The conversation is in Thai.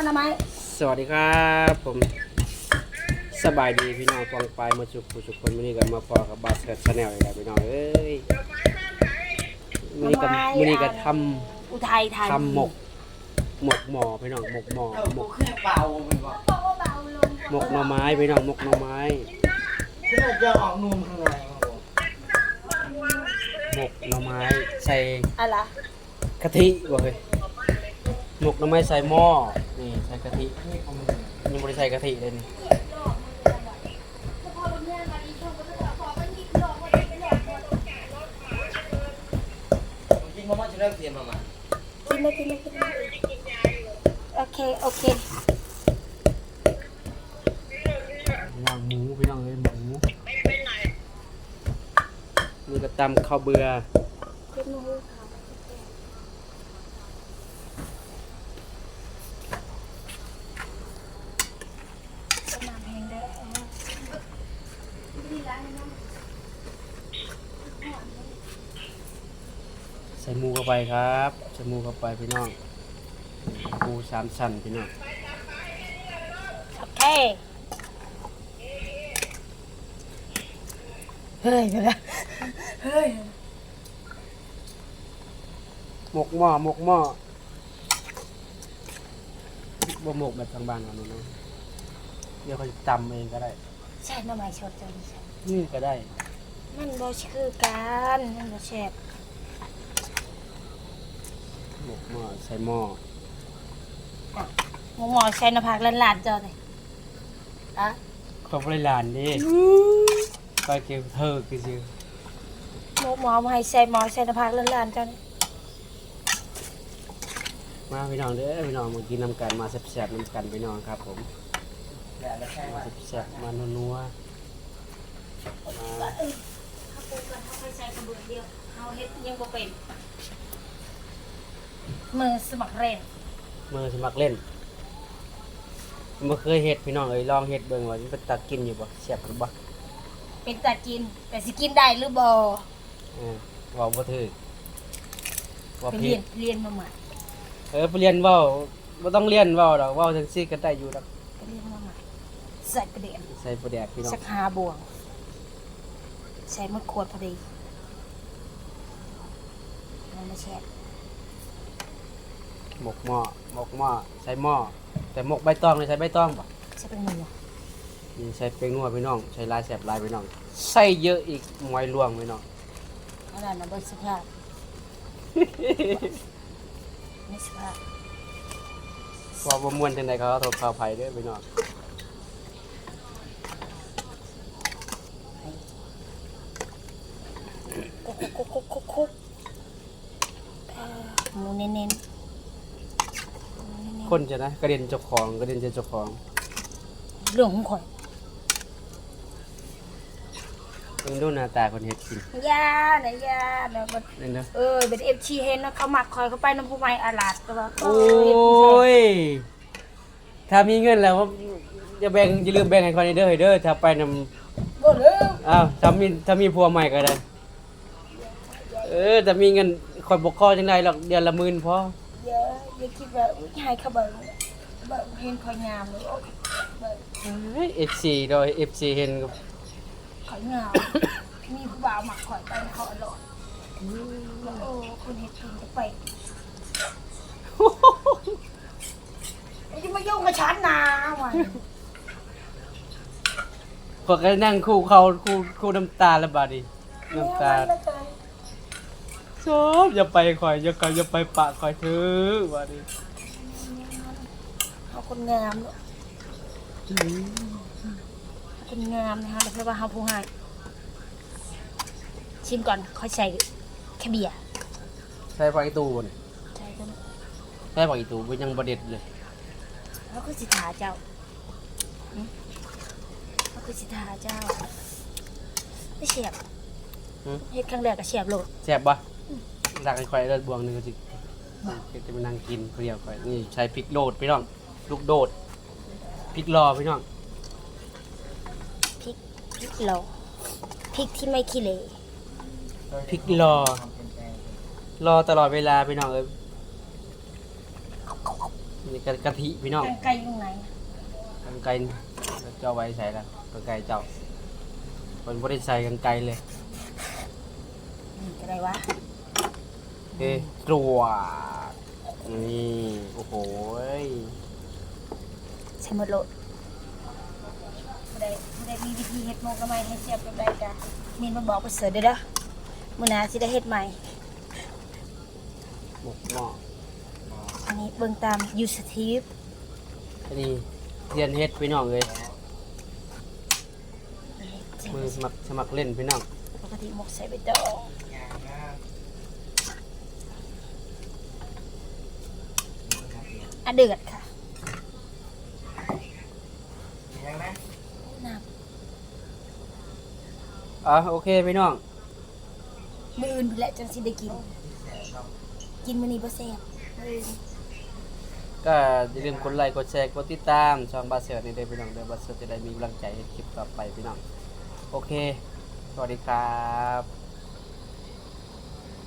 ทำไมสวัสดีครับผมสบายดีพี่น้องฟองปลายมาจุกผู้จุกคนวันนี้ก็มาพอกับบาสเกตชาแนลอีกแล้วพี่น้องเอ้ยวันนี้ก็อุทัยธานีทำหมกหม้อพี่น้องหมกหม้อหมกเบามันบอกหมกหน่อไม้พี่น้องหมกหน่อไม้ที่เราจะออกนุ่มข้างในหมกหน่อไม้ใส่อะไรกะทิบ่เฮ้ยหมกหน่อไม้ใส่หม้อนี่ใส่กะทิยังไม่ได้ใส่กะทิเลยนี่จริงมาจะเริ่มเสียมากินเลยโอเคย่างหมูพี่น้องเอ้ยหมูนี่ก็ตำข้าวเบื่อใส่หมูเข้าไปครับใส่หมูเข้าไปพี่น้องหมูสามชั้นพี่น้องโอเคเฮ้ยไปแล้วเฮ้ยหมกหม้อบ่หมกแบบทางบ้านเราเนาะเดี๋ยวเขาจะตำเองก็ได้ใช่น้ำมันชดจังนี่ก็ได้มันบ่คือกันมันบ่แซ่บหมกหม้อใส่หม้อหมอใช้น้ำผักล้านๆเจ้าเลยอะเขาบริลานดิไปเก็บเธอคือชื่อหมอมาให้ใส่หมอใช้น้ำผักล้านๆเจ้านี่มาพี่น้องเด้อพี่น้องมากินน้ำกันมาแซ่บๆน้ำกันพี่น้องครับผมมาแซ่บๆมานัวๆมามือสมัครเล่นมือสมัครเล่นบ่เคยเฮ็ดพี่น้องเอ้ยลองเฮ็ดเบิ่งว่ามันเป็นตากินอยู่บ่แซ่บหรือบ่เป็นตากินแต่สิกินได้หรือบ่เว้าบ่ถูกว่าไปผิดเรียนมาใหม่ไปเรียนเว้าบ่ต้องเรียนเว้าดอกเว้าจังซี่ก็ได้อยู่ดอกไปเรียนมาใหม่ใส่ประเดี๋ยวใส่ปลาแดกพี่น้องสัก5 บวงใส่หมดขวดพอดีมันไม่แช่หมกหม้อใส่หม้อแต่หมกใบตองเลยใส่ใบตองป่ะใช่เป็นหมูนี่ใส่เป็นนัวพี่น้องใส่ลายแสบลายพี่น้องใส่เยอะอีกมวยล่วงพี่น้องอะไรนะบนสภาพไม่สภาพว่าบ่ม่วนจังได๋เขาโทษข่าวไผเด้อพี่น้องคุกหมูเน้นคนจะนะกระเด็นเจ้าของเรื่องของข่อยเบิ่งดูหน้าตาคนเฮ็ดกินยาแล้วก็นั่นเด้อเป็น FG เห็นนะเขามักข่อยเขาไปน้ำผู้ใหม่อาลาดก็ว่าโอ้ยถ้ามีเงินแล้วอย่าลืมแบ่งให้คนเด้อถ้าไปนำบ่เด้ออ้าวถ้ามีผัวใหม่ก็ได้แต่มีเงินคอยบกคอจังได๋หรอกเดือนละ10,000พออย่าคิดว่าให้เขาเบิ่งเห็นข่อยงามเลย FC โดย FC เห็นกับข่อยงามมีผู้บ่าวมักข่อยไปเขาอร่อยคนเฮ็ดกินจะไปจะมายุ่งกับฉันนะว่ะพวกก็นั่งคู่น้ำตาละบาดนี้น้ำตาชอบอย่าไปข่อยอย่าไปปะข่อยถือบาดนี้เอาคนงามเนาะคนงามนะคะเดี๋ยวว่าเฮาผู้ให้ชิมก่อนค่อยใส่แค่เบียร์ใส่ผักอีตูบ่นี่ใช่กันใส่ผักอีตูบ่ยังบ่เด็ดเลยแล้วก็สิทาเจ้าแล้วก็สิทาเจ้าไม่เฉียบเฮ็ดครั้งแรกก็เฉียบโลดแซ่บบ่รักให้ข่อยเลิศบวงนึงก็สิจะไปนั่งกินเปรี้ยวข่อยนี่ใช้พริกโดดพี่น้องลูกโดดพริกรอพี่น้องพริกรอพริกที่ไม่ขี้เหร่พริกรอตลอดเวลาพี่น้องเอ้ยนี่กะทิพี่น้องแกงไก่อยู่ไหนกางไกรเจ้าไว้ใส่ละกางไกรเจ้าคนบ่ได้ใส่กางไกรเลยนี่ก็ได้วะเอ้ตรวจนี่โอ้โหยใช้หมดโลดไม่ได้มีวิธีเฮ็ดหมกละไมให้เสียบแบบใดจ้ะมีนมาบอกไปเสิร์ชเด้อเด้อมื้อหน้าสิได้เฮ็ดใหม่หมกหม้ออันนี้เบิ่งตาม YouTube อันนี้เรียนเฮ็ดพี่น้องเลยมือสมัครเล่นพี่น้องปกติหมกใส่ใบตองอ่ะเดือดค่ะยังนะน้โอเคพี่น้องำมื้ออื่นพุ่นแหละจังสิได้กิน กินมื้อนี้บ่แซ่บมื้ออื่นก็อย่าลืมกดไลค์กดแชร์กดติดตามช่องบาเซอร์นี่เด้อพี่น้องเด้อบาเซอร์จะได้มีกำลังใจให้คลิปต่อไปพี่น้องโอเคสวัสดีครับ